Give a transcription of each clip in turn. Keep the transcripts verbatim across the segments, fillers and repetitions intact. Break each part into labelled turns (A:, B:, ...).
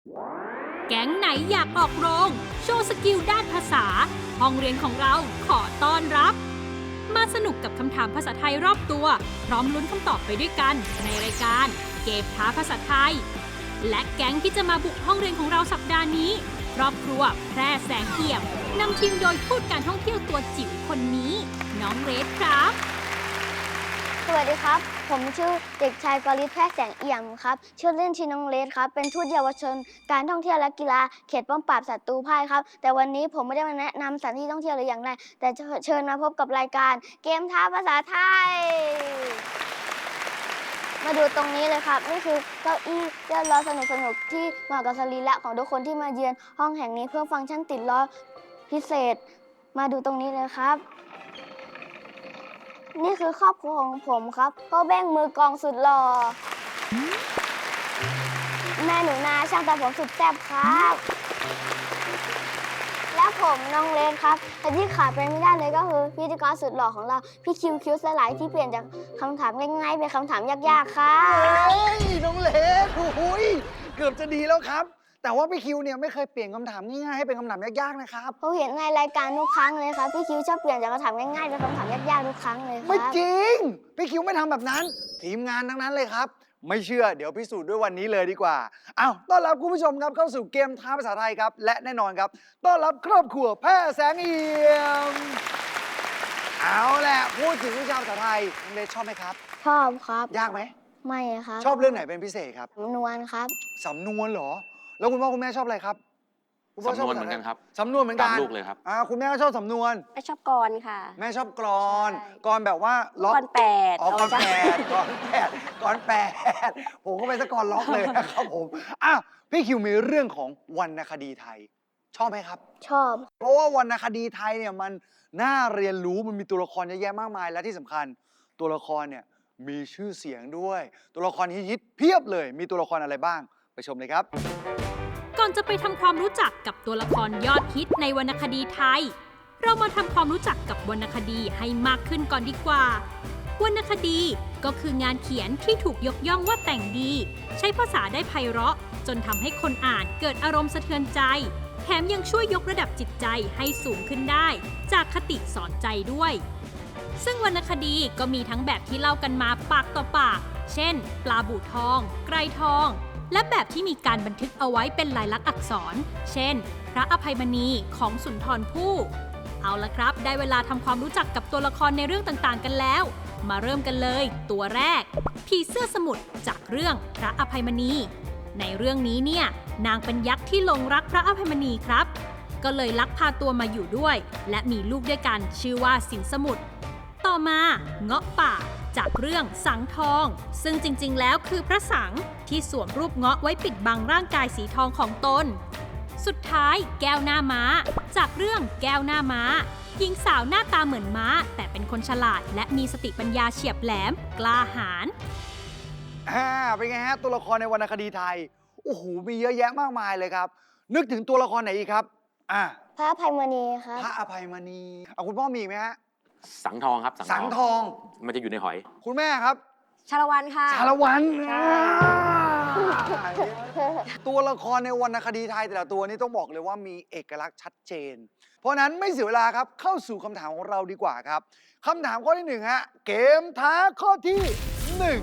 A: แก๊งไหนอยากออกโรงโชว์สกิลด้านภาษาห้องเรียนของเราขอต้อนรับมาสนุกกับคำถามภาษาไทยรอบตัวพร้อมลุ้นคำตอบไปด้วยกันในรายการเกมท้าภาษาไทยและแก๊งที่จะมาบุกห้องเรียนของเราสัปดาห์นี้ครอบครัวแพร่แสงเอี่ยมนำทีมโดยทูตการท่องเที่ยวตัวจิ๋วคนนี้น้องเรสครับ
B: สวัสดีครับผมชื่อเด็กชายกฤษแพร่แสงเอี่ยมครับชื่อเล่นชื่อน้องเลสครับเป็นทูตเยาวชนการท่องเที่ยวและกีฬาเขตป้อมปราบศัตรูพ่ายครับแต่วันนี้ผมไม่ได้มาแนะนำสถานที่ท่องเที่ยวหรืออย่างไรแต่เชิญมาพบกับรายการเกมท้าภาษาไทยมาดูตรงนี้เลยครับนี่คือเก้าอี้เลื่อนล้อสนุกๆที่เหมาะกับสรีระของทุกคนที่มาเยือนห้องแห่งนี้เพื่อฟังก์ชันติดล้อพิเศษมาดูตรงนี้เลยครับนี่คือครอบครัวของผมครับพ่อแบ้งมือกองสุดหล่อแม่หนูนาช่างตัดผมสุดแซ่บครับและผมน้องเลนครับแต่ที่ขาดไปไม่ได้เลยก็คือพิธีกรสุดหล่อของเราพี่คิวคิวสลายที่เปลี่ยนจากคำถามง่ายๆเป็นคำถามยากๆครับ
C: เฮ้ยน้องเลนโอ้ยเกือบจะดีแล้วครับแต่ว่าพี่คิวเนี่ยไม่เคยเปลี่ยนคำถามง่ายๆให้เป็นคำถามยากๆนะครับ
B: เขาเห็นในรายการทุกครั้งเลยครับพี่คิวชอบเปลี่ยนจากคำถามง่ายๆเป็นคำถามยากๆทุกครั้งเลยครับ
C: ไม่จริงพี่คิวไม่ทำแบบนั้นทีมงานทั้งนั้นเลยครับไม่เชื่อเดี๋ยวพิสูจน์ด้วยวันนี้เลยดีกว่าอ้าวต้อนรับคุณผู้ชมครับเข้าสู่เกมท้าภาษาไทยครับและแน่นอนครับต้อนรับครอบครัวแพร่แสงเอี่ยมเอาแหละพูดถึงวิชาภาษาไทยน้องเลนชอบไหมครับ
B: ชอบครับ
C: ยากไหม
B: ไม่ครับ
C: ชอบเรื่องไหนเป็นพิเศษครับ
B: สำนวนครับ
C: สำนวนเหรอแล้วคุณพ่อคุณแม่ชอบอะไรครับ
D: สำนวนเหมือนกันครับ
C: สำนวนเหมือนกัน
D: ตามลูกเลยครับ
C: อ่าคุณแม่ก็ชอบสำนวน
E: แม่ชอบกรค่ะ
C: แม่ชอบกรอนกรอนแบบว่าล็อก
E: กรแปด
C: อ๋อกรแปดกรอนแปดกรอนแปดผมก็เป็นสกรล็อกเลยนะครับผมอ่ะพี่คิวมีเรื่องของวรรณคดีไทยชอบไหมครับ
B: ชอบ
C: เพราะว่าวรรณคดีไทยเนี่ยมันน่าเรียนรู้มันมีตัวละครเยอะแยะมากมายและที่สำคัญตัวละครเนี่ยมีชื่อเสียงด้วยตัวละครฮิตๆเพียบเลยมีตัวละครอะไรบ้างไปชมเลยครับ
A: ก่อนจะไปทำความรู้จักกับตัวละครยอดฮิตในวรรณคดีไทยเรามาทำความรู้จักกับวรรณคดีให้มากขึ้นก่อนดีกว่าวรรณคดีก็คืองานเขียนที่ถูกยกย่องว่าแต่งดีใช้ภาษาได้ไพเราะจนทำให้คนอ่านเกิดอารมณ์สะเทือนใจแถมยังช่วยยกระดับจิตใจให้สูงขึ้นได้จากคติสอนใจด้วยซึ่งวรรณคดีก็มีทั้งแบบที่เล่ากันมาปากต่อปากเช่นปลาบู่ทองไกรทองและแบบที่มีการบันทึกเอาไว้เป็นลายลักษณ์อักษรเช่นพระอภัยมณีของสุนทรภู่เอาละครับได้เวลาทำความรู้จักกับตัวละครในเรื่องต่างๆกันแล้วมาเริ่มกันเลยตัวแรกผีเสื้อสมุทรจากเรื่องพระอภัยมณีในเรื่องนี้เนี่ยนางเป็นยักษ์ที่หลงรักพระอภัยมณีครับก็เลยลักพาตัวมาอยู่ด้วยและมีลูกด้วยกันชื่อว่าสินสมุทรต่อมาเงาะป่าจากเรื่องสังทองซึ่งจริงๆแล้วคือพระสังที่สวมรูปเงาะไว้ปิดบังร่างกายสีทองของตนสุดท้ายแก้วหน้าม้าจากเรื่องแก้วหน้าม้าหญิงสาวหน้าตาเหมือนม้าแต่เป็นคนฉลาดและมีสติปัญญาเฉียบแหลมกล้าหาญ
C: อ่าเป็นไงฮะตัวละครในวรรณคดีไทยโอ้โหมีเยอะแยะมากมายเลยครับนึกถึงตัวละครไหนอีกครับอ่า
B: พระอภัยมณีครับ
C: พระอภัยมณีเอาคุณพ่อมีอีกไหมฮะ
D: สังทองครับ
C: สังทอง
D: มันจะอยู่ในหอย
C: คุณแม่ครับ
E: ชาละวันค่ะ
C: ชาละวันตัวละครในวรรณคดีไทยแต่ละตัวนี้ต้องบอกเลยว่ามีเอกลักษณ์ชัดเจนเพราะนั้นไม่เสียเวลาครับเข้าสู่คำถามของเราดีกว่าครับคำถามข้อที่หนึ่งฮะเกมท้าข้อที่หนึ่ง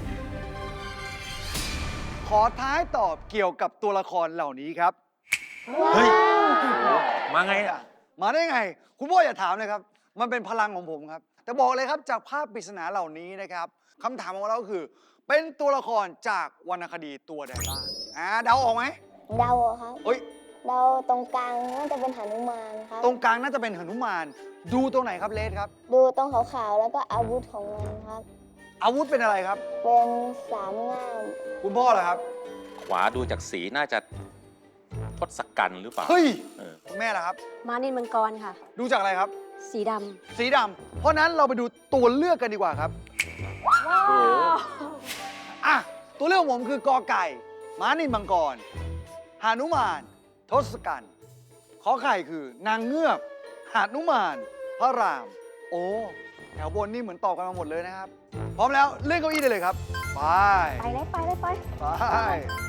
C: ขอท้ายตอบเกี่ยวกับตัวละครเหล่านี้ครับ
D: เฮ้ยมาไงอ่ะ
C: มาได้ไงคุณพ่ออย่าถามเลยครับมันเป็นพลังของผมครับแต่บอกเลยครับจากภาพปริศนาเหล่านี้นะครับคำถามของเราก็คือเป็นตัวละครจากวรรณคดีตัวใดบ้างอ่าเดาออกไหม
B: เดาครับ
C: เฮ้ย
B: เดาตรงกลางน่าจะเป็นหนุมานครับ
C: ตรงกลางน่าจะเป็นหนุมานดูตรงไหนครับเลสครับ
B: ดูตรงขาวๆแล้วก็อาวุธของมันครับ
C: อาวุธเป็นอะไรครับ
B: เป็นสามง่าม
C: คุณพ่อเหรอครับ
D: ขวาดูจากสีน่าจะทศกัณฐ์หรือเปล่า
C: เฮ้ยคุณแม่ล่ะครับ
E: มานินมังกรค่ะ
C: ดูจากอะไรครับ
E: สีด
C: ำสีดำเพราะนั้นเราไปดูตัวเลือกกันดีกว่าครับ
E: ว้าว
C: อ่ะตัวเลือกผมคือกอไก่ม้านินมังกรหานุมานทศกัณฐ์ขอไข่คือนางเงือกหานุมานพระรามโอ้แถวบนนี่เหมือนตอบกันมาหมดเลยนะครับพร้อมแล้วเลื่อนเก้าอี้ได้เลยครับไป
E: ไปเลยไปเลยไป
C: ไป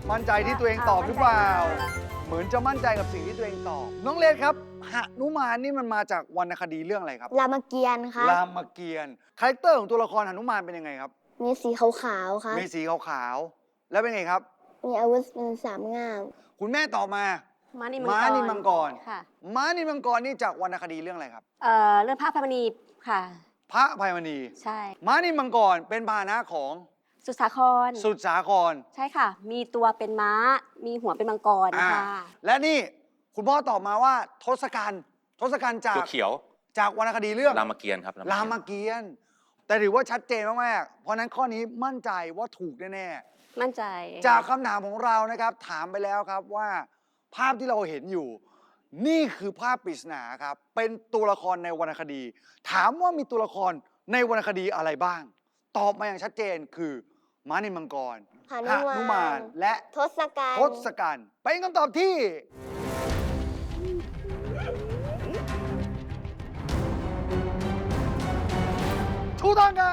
C: มั่นใจที่ตัวเองตอบหรือเปล่า เหมือนจะมั่นใจกับสิ่งที่ตัวเองตอบ น้องเลนครับหนุมานนี่มันมาจากวรรณคดีเรื่องอะไรครับ
B: รามเกียรติ์ครับ
C: รามเกียรติ์คาแรคเตอร์ของตัวละครหนุมานเป็นยังไงครับ
B: มีสีขาวๆครับ
C: มีสีขาวๆ แล้วเป็นไงครับ
B: มีอาวุธเป็นสามง่าม
C: คุณแม่ตอบมา
E: ม้านิมังกร
C: ม้านิมังกร
E: ค่ะ
C: ม้านิมังกรนี่จากวรรณคดีเรื่องอะไรครับ
E: เอ่อเรื่องพระพรรณีค่ะ
C: พระอภัยมณี
E: ใช่
C: ม้านิมังกรเป็นพาหนะของ
E: สุสาคร
C: สุดสาคร
E: ใช่ค่ะ มีตัวเป็นม้า มีหัวเป็นมังกร
C: อ่า
E: ค่ะ
C: และนี่คุณพ่อตอบมาว่าทศกัณฐ์ทศกัณฐ์จาก
D: เขียว
C: จากวรรณคดีเรื่อง
D: ๆรามเกียรติ์ครับ
C: รามเกียรติ์แต่ถือว่าชัดเจนมากๆเพราะฉะนั้นข้อนี้มั่นใจว่าถูกแน่
E: มั่นใจ
C: ๆจากคำถามของเรานะครับ ถามไปแล้วครับว่าภาพที่เราเห็นอยู่ นี่คือภาพปริศนาครับ เป็นตัวละครในวรรณคดี ถามว่ามีตัวละครในวรรณคดีอะไรบ้าง ตอบมาอย่างชัดเจนคือม้านิมังกร
B: หนุมาน
C: นุมานและ
B: ทศกัณ
C: ท
B: ฐ์
C: ศกัณฐ์เป็นคำตอบที่ ถูกต้องครับ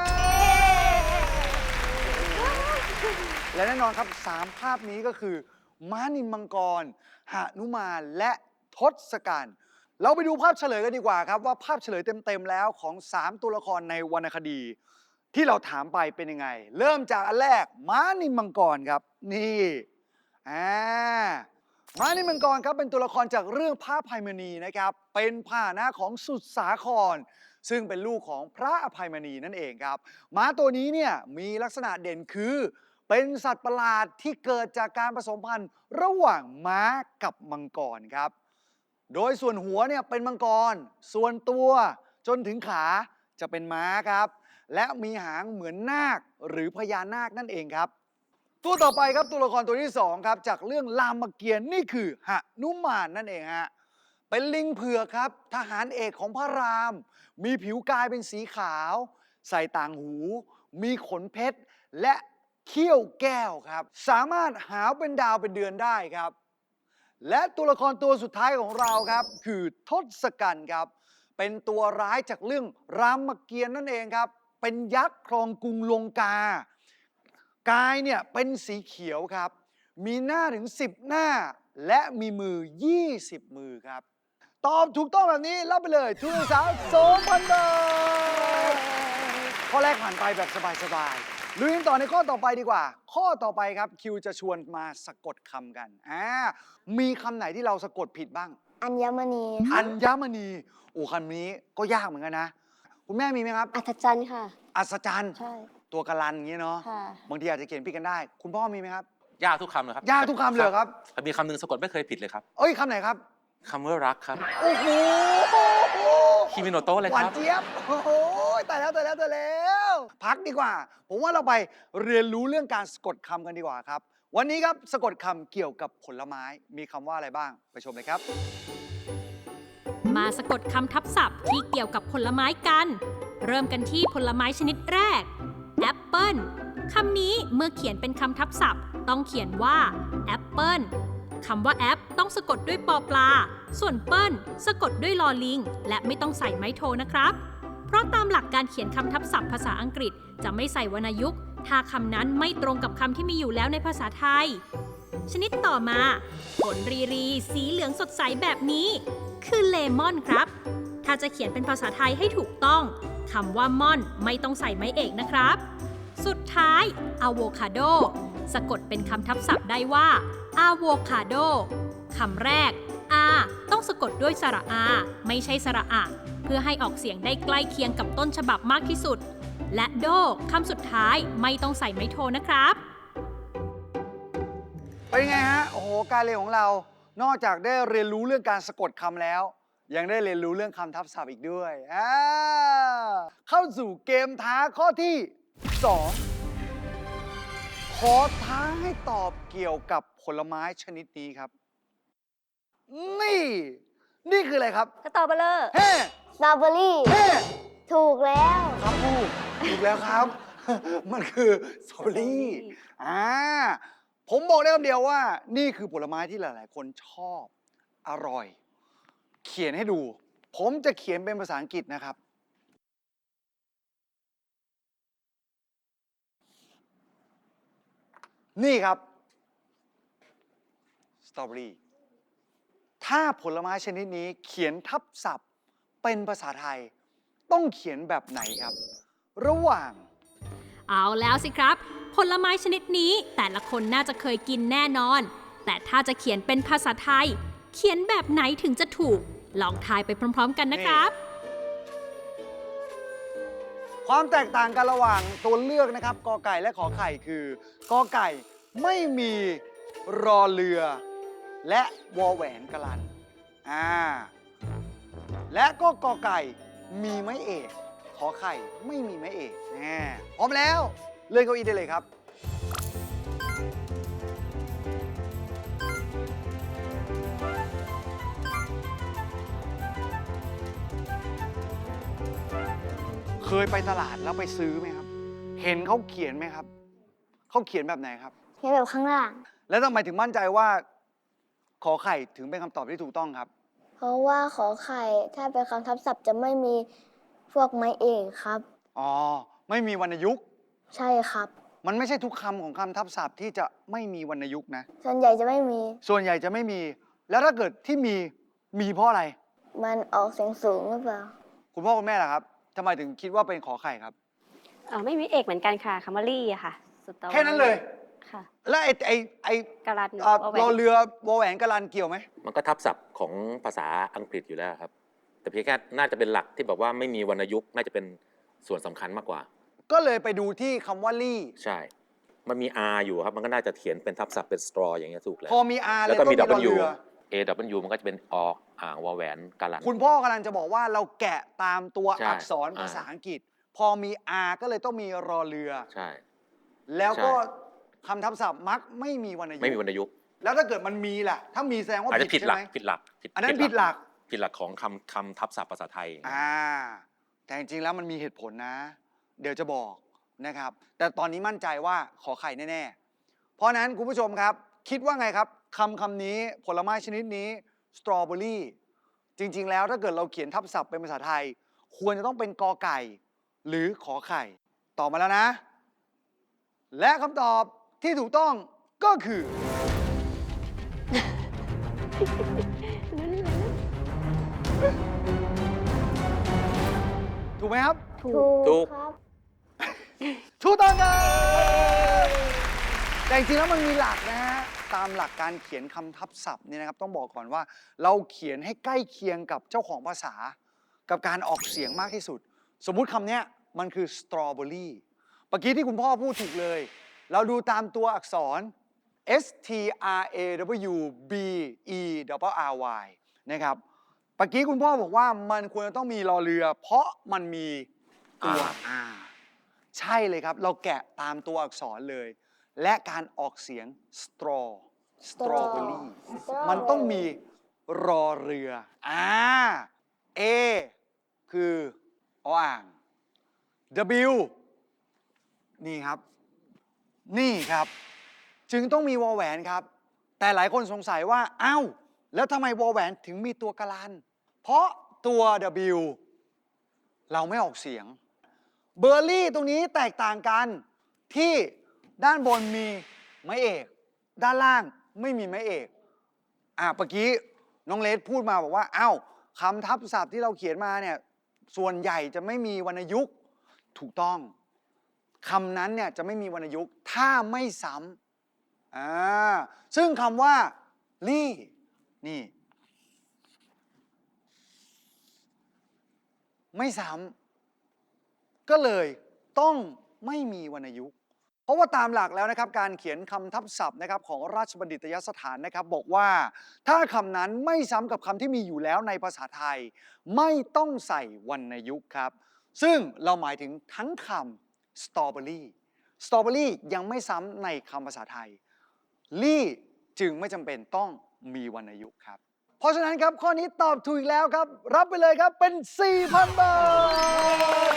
C: และแน่นอนครับสามภาพนี้ก็คือ ม้านิมมังกรหนุมานและทศกัณฐ์เราไปดูภาพเฉลยกันดีกว่าครับ ว่าภาพเฉลยเต็ม ๆ แล้วของสามตัวละครในวรรณคดี ที่เราถามไปเป็นยังไง เริ่มจากอันแรก ม้านิมมังกรครับ นี่อ่าม้านิมมังกรครับเป็นตัวละครจากเรื่องพระอภัยมณีนะครับ เป็นพาหนะของสุดสาคร ซึ่งเป็นลูกของพระอภัยมณีนั่นเองครับ ม้าตัวนี้เนี่ยมีลักษณะเด่นคือ เป็นสัตว์ประหลาดที่เกิดจากการผสมพันธุ์ระหว่างม้ากับมังกรครับ โดยส่วนหัวเนี่ยเป็นมังกร ส่วนตัวจนถึงขาจะเป็นม้าครับ และมีหางเหมือนนาคหรือพญานาคนั่นเองครับ ตัวต่อไปครับตัวละครตัวที่สองครับจากเรื่องรามเกียรติ์นี่คือหนุมานนั่นเองฮะ เป็นลิงเผือกครับทหารเอกของพระราม มีผิวกายเป็นสีขาว ใส่ต่างหู มีขนเพชรและเขี้ยวแก้วครับ สามารถหาวเป็นดาวเป็นเดือนได้ครับ และตัวละครตัวสุดท้ายของเราครับ คือทศกัณฐ์ครับ เป็นตัวร้ายจากเรื่องรามเกียรติ์นั่นเองครับ เป็นยักษ์ครองกรุงลงกา กายเนี่ยเป็นสีเขียวครับ มีหน้าถึงสิบหน้า และมีมือยี่สิบมือครับ ตอบถูกต้องแบบนี้รับไปเลยทุนการศึกษา สองพัน บาท ข้อแรกผ่านไปแบบสบายๆลุยกันต่อในข้อต่อไปดีกว่า ข้อต่อไปครับคิวจะชวนมาสะกดคำกันอ่ามีคำไหนที่เราสะกดผิดบ้าง
B: อัญมณี
C: อัญมณี โอ้คำนี้ก็ยากเหมือนกันนะ คุณแม่มีไหมครับ
E: อัศจรรย์ค่ะ
C: อัศจรรย์
E: ใช่
C: ตัวกะลันอย่างนี้เนาะ
E: ค่ะ
C: บางทีอาจจะเขียนผิดกันได้ คุณพ่อมีไหมครับ
D: ยากทุกคำเลยครับ
C: ยากทุกคำเลยเหรอครับ
D: มีคำหนึ่งสะกดไม่เคยผิดเลยครับ
C: เอ้ยคำไหนครับ
D: คำว่ารักครับ
C: โอ้โห
D: คิมิโนโตะเลย
C: ห
D: คว
C: าน
D: รับ
C: เจี๊ยบ โอ้โหตายแล้วตายแล้วตายแล้ว พักดีกว่า ผมว่าเราไปเรียนรู้เรื่องการสะกดคำกันดีกว่าครับ วันนี้ครับสะกดคำเกี่ยวกับผลไม้ มีคำว่าอะไรบ้าง ไปชมเลยครับ
A: มาสะกดคำทับศัพท์ที่เกี่ยวกับผลไม้กัน เริ่มกันที่ผลไม้ชนิดแรกแอปเปิลคำนี้เมื่อเขียนเป็นคำทับศัพท์ ต้องเขียนว่าแอปเปิลคำว่าแอปต้องสะกดด้วยปอปลา ส่วนเปิ้ลสะกดด้วยลอลิง และไม่ต้องใส่ไม้โทนะครับ เพราะตามหลักการเขียนคำทับศัพท์ภาษาอังกฤษจะไม่ใส่วรรณยุกต์ ถ้าคำนั้นไม่ตรงกับคำที่มีอยู่แล้วในภาษาไทย ชนิดต่อมาผลรีรีสีเหลืองสดใสแบบนี้ คือเลมอนครับ ถ้าจะเขียนเป็นภาษาไทยให้ถูกต้องคำว่าม่อนไม่ต้องใส่ไม้เอกนะครับ สุดท้ายอะโวคาโดสะกดเป็นคำทับศัพท์ได้ว่าอะโวคาโดคำแรก อาต้องสะกดด้วยสระอา ไม่ใช่สระอะ เพื่อให้ออกเสียงได้ใกล้เคียงกับต้นฉบับมากที่สุด และโดคำสุดท้ายไม่ต้องใส่ไม้โทนะครับ
C: เป็นไงฮะ โอ้โห การเรียนของเรา นอกจากได้เรียนรู้เรื่องการสะกดคำแล้ว ยังได้เรียนรู้เรื่องคำทับศัพท์อีกด้วยอ่าเข้าสู่เกมท้าข้อที่สองขอท้าให้ตอบเกี่ยวกับผลไม้ชนิดนี้ครับ นี่ นี่คืออะไรครับ
E: สตรอเบอร์เลอร์
C: เฮ้
B: สตรอเบอรี่
C: เฮ้
B: ถูกแล้ว
C: ครับถูกถูกแล้วครับ มันคือสตรอเบอรี่อ่าผมบอกได้คำเดียวว่า นี่คือผลไม้ที่หลาย ๆ คนชอบอร่อย เขียนให้ดู ผมจะเขียนเป็นภาษาอังกฤษนะครับ นี่ครับตรอเบอรี่ถ้าผลไม้ชนิดนี้เขียนทับศัพท์เป็นภาษาไทย ต้องเขียนแบบไหนครับ ระหว่าง
A: เอาแล้วสิครับ ผลไม้ชนิดนี้แต่ละคนน่าจะเคยกินแน่นอน แต่ถ้าจะเขียนเป็นภาษาไทย เขียนแบบไหนถึงจะถูก ลองทายไปพร้อมๆกันนะครับ
C: ความแตกต่างกันระหว่างตัวเลือกนะครับกอไก่และขอไข่คือกอไก่ไม่มีรอเรือ และวอแหวนกลันอ่าและก็กอไก่มีไม้เอกขอไข่ไม่มีไม้เอกแน่พร้อมแล้วเลื่อนเก้าอี้ได้เลยครับ เคยไปตลาดแล้วไปซื้อไหมครับ เห็นเขาเขียนไหมครับ เขาเขียนแบบไหนครับ
B: เขียนแบบข้างล่าง
C: แล้วทำไมถึงมั่นใจว่าขอไข่ถึงเป็นคำตอบที่ถูกต้องครับ
B: เพราะว่าขอไข่ถ้าเป็นคำทับศัพท์จะไม่มีพวกไม้เอกครับ
C: อ๋อ ไม่มีวรรณยุกต์
B: ใช่ครับ
C: มันไม่ใช่ทุกคำของคำทับศัพท์ที่จะไม่มีวรรณยุกต์นะ
B: ส่วนใหญ่จะไม่มี
C: ส่วนใหญ่จะไม่มี แล้วถ้าเกิดที่มี มีเพราะอะไร
B: มันออกเสียงสูงหรือเปล่า
C: คุณพ่อคุณแม่ล่ะครับทำไมถึงคิดว่าเป็นขอไข่ครับ
E: เออไม่มีเอกเหมือนกันค่ะคำว่าลี่อะค่ะสตรอเบอรี่
C: แค่นั้นเลย
E: ค่ะ
C: แล้วไอ้ไอ้ไอ้
E: กะลัน
C: อ่า
E: วอแหว
C: รอน เรือวอแหวนกะลันเกี่ยวไหม
D: มันก็ทับศัพท์ของภาษาอังกฤษอยู่แล้วครับ แต่เพียงแค่น่าจะเป็นหลักที่แบบว่าไม่มีวรรณยุกต์น่าจะเป็นส่วนสำคัญมากกว่า
C: ก็เลยไปดูที่คำว่าลี่
D: ใช่ มันมี R อยู่ครับ มันก็น่าจะเขียนเป็นทับศัพท์เป็น straw อย่างเงี้ยถูกแล้ว
C: พอมี R เล
D: แล้ว
C: ย
D: ก็
C: ต้อง
D: มี
C: มีรอ
D: W
C: เรือ
D: A W มันก็จะเป็นออ่างวอแหวนกาลัน
C: คุณพ่อกำลังจะบอกว่าเราแกะตามตัว
D: ใช่
C: อักษร
D: อ่า
C: ภาษาอังกฤษ พอมี R ก็เลยต้องมีรอเรือ
D: ใช่
C: แล้วก็
D: ใช่
C: คำทับศัพท์มักไม่มีวรรณยุก
D: ไม่มีวร
C: ต์
D: รณยุกต์
C: แล้วถ้าเกิดมันมีล่ะ ถ้ามีแสดงว่า
D: อาจจะ
C: ผิ
D: ผิ
C: ด
D: ด
C: ใช่
D: หลัก
C: ไหม
D: ผิดหลัก
C: อันนั้นผิดหลัก
D: ผิดหลักของคำคำทับศัพท์ภาษาไทย
C: อ่า แต่จริงๆแล้วมันมีเหตุผลนะ เดี๋ยวจะบอกนะครับ แต่ตอนนี้มั่นใจว่าขอไข่แน่ๆ เพราะฉะนั้นคุณผู้ชมครับ คิดว่าไงครับคำคำนี้ผลไม้ชนิดนี้สตรอเบอรี่จริงๆแล้วถ้าเกิดเราเขียนทับศัพท์เป็นภาษาไทย ควรจะต้องเป็นกอไก่ หรือขอไข่ตอบมาแล้วนะ และคำตอบที่ถูกต้องก็คือ ถูกไหมครับ
B: ถู
D: ถูก
B: ครับ
C: ถูกต้องครับแต่จริงๆแล้วมันมีหลักนะฮะ ตามหลักการเขียนคำทับศัพท์เนี่ยนะครับ ต้องบอกก่อนว่า เราเขียนให้ใกล้เคียงกับเจ้าของภาษา กับการออกเสียงมากที่สุด สมมุติคำเนี้ยมันคือ strawberry เมื่อกี้ที่คุณพ่อพูดถูกเลย เราดูตามตัวอักษร S T R A W B E R R Y นะครับเมื่อกี้คุณพ่อบอกว่ามันควรจะต้องมีรอเรือ เพราะมันมีตัว R ใช่เลยครับ เราแกะตามตัวอักษรเลย และการออกเสียง straw strawberry มันต้องมีรอเรืออ่า A คือออ่าง W นี่ครับ นี่ครับ จึงต้องมีวอแหวนครับ แต่หลายคนสงสัยว่าอ้าวแล้วทำไมวอแหวนถึงมีตัวกะลัน เพราะตัว W เราไม่ออกเสียง เบอร์รี่ตรงนี้แตกต่างกันที่ด้านบนมีไม้เอก ด้านล่างไม่มีไม้เอก อ่ะเมื่อกี้น้องเลสพูดมาบอกว่าอ้าวคำทับศัพท์ที่เราเขียนมาเนี่ยส่วนใหญ่จะไม่มีวรรณยุกต์ถูกต้องคำนั้นเนี่ยจะไม่มีวรรณยุกต์ถ้าไม่ซ้ำอ่าซึ่งคำว่าลี่นี่ไม่ซ้ำก็เลยต้องไม่มีวรรณยุกต์เพราะว่าตามหลักแล้วนะครับการเขียนคำทับศัพท์นะครับของราชบัณฑิตยสถานนะครับบอกว่าถ้าคำนั้นไม่ซ้ำกับคำที่มีอยู่แล้วในภาษาไทยไม่ต้องใส่วรรณยุกต์ครับซึ่งเราหมายถึงทั้งคำสตรอเบอรี่สตรอเบอรี่ยังไม่ซ้ำในคำภาษาไทยลี่จึงไม่จำเป็นต้องมีวรรณยุกต์ครับเพราะฉะนั้นครับข้อนี้ตอบถูกอีกแล้วครับรับไปเลยครับเป็น สี่พัน บาท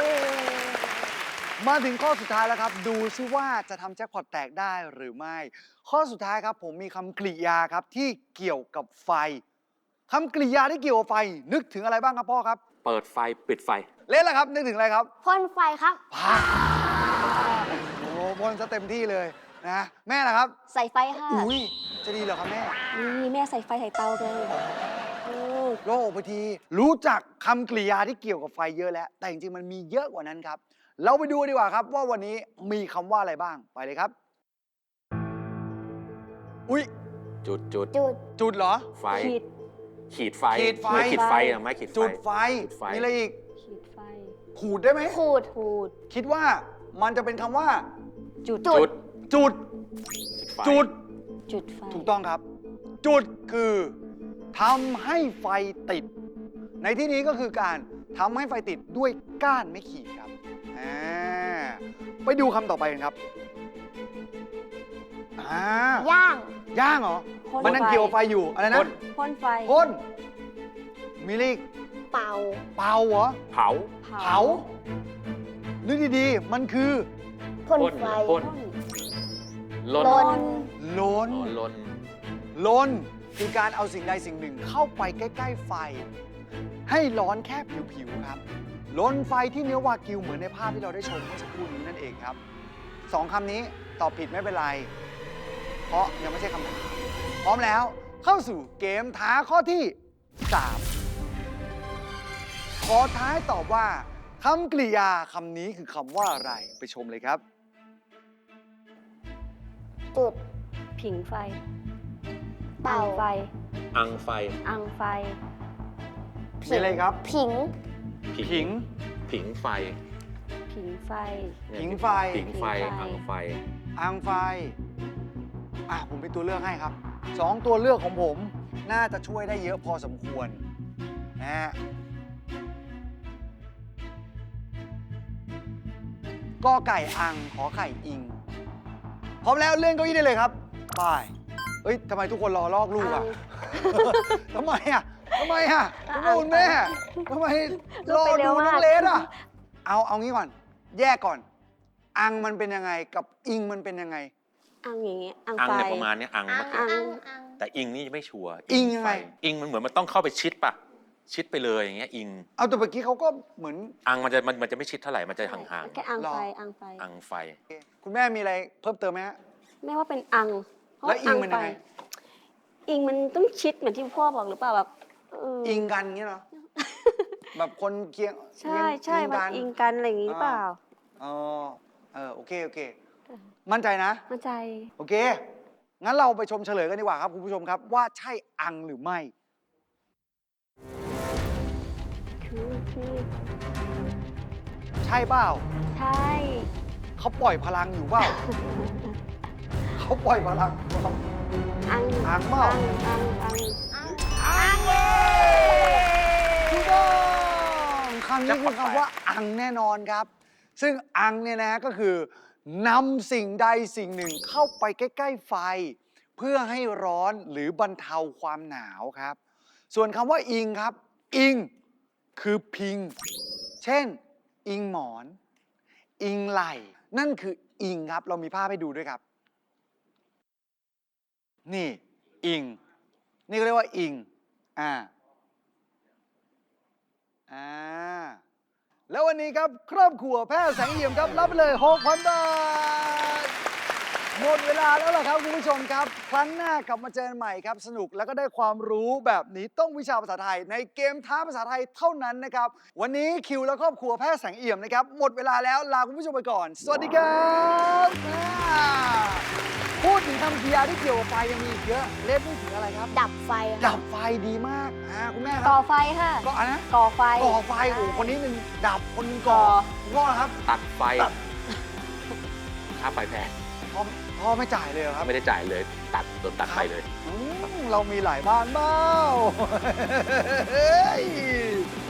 C: มาถึงข้อสุดท้ายแล้วครับดูซิว่าจะทำแจ็คพอตแตกได้หรือไม่ข้อสุดท้ายครับผมมีคำกริยาครับที่เกี่ยวกับไฟคำกริยาที่เกี่ยวกับไฟนึกถึงอะไรบ้างครับพ่อครับ
D: เปิดไฟปิดไฟ
C: เล่นแล้วครับนึกถึงอะไรครับ
B: พ่นไฟครับ
C: พาโอ้โหบนซะเต็มที่เลยนะแม่ล่ะครับ
E: ใส่ไฟค่ะ
C: อุ้ยใจจะดีเหรอครับแม่
E: นี่แม่ใส่ไฟใส่เตาเลยเออ
C: โล่งไปที รู้จักคำกริยาที่เกี่ยวกับไฟเยอะแล้ว แต่จริงๆมันมีเยอะกว่านั้นครับ เราไปดูดีกว่าครับว่าวันนี้มีคำว่าอะไรบ้างไปเลยครับ อุ๊ย
D: จุดจุด
B: จุด
C: จุดเหรอ
D: ไฟ
E: ขีด
D: ขีดไฟ
C: ขีดไฟ
D: ไม่ขีดไฟอะไม่ขีดไฟ
C: จุดไฟ
D: จุดไฟ
C: มีอะไรอีก
E: ขีดไฟ
C: ขูดได้ไหม
B: ขูด
E: ขูด
C: คิดว่ามันจะเป็นคำว่า
E: จุด
D: จุด
C: จุด
D: ไฟ
C: จุด
E: จุดไฟ
C: ถูกต้องครับ จุดคือทำให้ไฟติด ในที่นี้ก็คือการทำให้ไฟติดด้วยก้านไม้ขีดครับอ่าไปดูคำต่อไปกันครับอ่า
B: ย่าง
C: ย่างเหรอ
E: พ่น
C: มันนั่ง
E: ไฟ
C: เกี่ยวไฟอยู่อะไรนะ
D: พ่น
E: พ่นไฟ
C: พ่นมิลลิก
B: เป่า
C: เป่าเหรอ
D: เผา
C: เผานึกดีๆ มันคือ
B: พ่น
D: พ่น
B: ไฟ
D: พ่น
E: พ่น
D: ลน
B: ลน
C: ล้น
D: อ๋อลน
C: ล้นคือการเอาสิ่งใดสิ่งหนึ่งเข้าไปใกล้ๆไฟ ให้ร้อนแค่ผิวๆครับล้นไฟที่เนื้อวากิวเหมือนในภาพที่เราได้ชมเมื่อสักครู่นี้นั่นเองครับสองคำนี้ตอบผิดไม่เป็นไร เพราะยังไม่ใช่คำถามพร้อมแล้วเข้าสู่เกมท้าข้อที่สามขอท้ายตอบว่าคำกริยาคำนี้คือคำว่าอะไรไปชมเลยครับ
B: จุด
E: ผิงไฟ
B: เป่า
E: อังไฟ
D: อังไฟ
E: อังไฟ
C: มีอะไรครับ
B: ผิง
C: ผิง
D: ผิงไฟ
E: ผิงไฟ
D: เนี่ย
C: ผิงไฟ
D: ผิงไฟ
E: ผิงไฟ
D: อังไฟ
C: อ่างไฟ อ่ะผมเป็นตัวเลือกให้ครับ สองตัวเลือกของผม น่าจะช่วยได้เยอะพอสมควรนะฮะกอไก่อัง ขอไข่อิง พร้อมแล้วเลื่อนเก้าอี้ได้เลยครับไปเอ้ยทำไมทุกคนรอลอกลูกอ่ะ ทำไมอ่ะทำไมอ่ะคุณพ่อคุณแม่ทำไมรอดูน้องเลสอ่ะ เอาเอางี้ก่อน แยกก่อน อังมันเป็นยังไงกับอิงมันเป็นยังไง
E: อังอย่างเงี้ยอัง
D: อัง
E: ไฟ
D: เนี่ยประมาณเนี้ยอัง
B: อั
D: เมื่
B: ง
D: อกี้
B: อังอัง
D: แต่อิงนี่ไม่ชัวร์
C: อิงยังไง
D: ฟอิงมันเหมือนมันต้องเข้าไปชิดป่ะ ชิดไปเลยอย่างเงี้ยอิง
C: เอาแต่เมื่อกี้เขาก็เหมือน
D: อังมันจะมันมันจะไม่ชิดเท่าไหร่มันจะห่าง
E: แค่อังไฟ
C: หรอ
E: อังไฟ
D: ๆอังไฟ
C: คุณแม่มีอะไรเพิ่มเติมไหมฮะ
E: ไม่ว่าเป็นอังเพราะ
C: แล้วอิงมันยังไง
E: อิงมันต้องชิดเหมือนที่พ่อบอกหรือเปล่าแบบเ
C: อิงกันเงี้ยเหรอ แบบคนเคียง
E: ใช่ใช่มันอิงกันอะไรอย่างงี้หรือเปล่า
C: อ๋อเออโอเคโอเค มั่นใจนะ
E: มั่นใจ
C: โอเค งั้นเราไปชมเฉลยกันดีกว่าครับคุณผู้ชมครับ ว่าใช่อังหรือไม่
E: คือคือ
C: ใช่เปล่า
E: ใช่
C: เขาปล่อยพลังอยู่เปล่า เขาปล่อยพลังเปล่า
E: อัง
C: อังเปล่า
E: อังอังอัง
C: อังเลยถูกต้องคำนี้คือคำว่าอังแน่นอนครับ ซึ่งอังเนี่ยนะก็คือนำสิ่งใดสิ่งหนึ่งเข้าไปใกล้ ๆ ไฟ เพื่อให้ร้อนหรือบรรเทาความหนาวครับ ส่วนคำว่าอิงครับ อิงคือพิง เช่น อิงหมอน อิงไหล่ นั่นคืออิงครับ เรามีภาพให้ดูด้วยครับ นี่อิง นี่ก็เรียกว่าอิง อ่า อ่า แล้ววันนี้ครับครอบครัวแพทย์แสงเอี่ยมครับรับไปเลย หกพัน บาท หมดเวลาแล้วล่ะครับคุณผู้ชมครับ ครั้งหน้ากลับมาเจอกันใหม่ครับ สนุกแล้วก็ได้ความรู้แบบนี้ต้องวิชาภาษาไทย ในเกมท้าภาษาไทยเท่านั้นนะครับ วันนี้คิวและครอบครัวแพทย์แสงเอี่ยมนะครับ หมดเวลาแล้วลาคุณผู้ชมไปก่อน สวัสดีครับอ่าพูดถึงคำกริยาที่เกี่ยวกับไฟยังมีอีกเยอะเล่นพูดถึงอะไรครับ
B: ดับไฟค
C: ดั
B: รับบ
C: ไฟดีมากอ่าคุณแม่ค
E: ก่
C: รั
E: อบ ไฟค่ะ
C: ก็อันนะ
E: ก่อไฟ
C: ก่อไฟโอ้โหคนนี้หนึ่งดับคนหนึงก่อ
E: ก่อ
C: คุณพ่อนะครับ
D: ตัดไฟ
C: ตัด
D: ค่าไฟแพง
C: พ่อพ่อไม่จ่ายเลยเหรอครับ
D: ไม่ได้จ่ายเลย ตัดโดนตัดไฟเลย
C: อืมเรามีหลายบ้านเบ้าเฮ้ย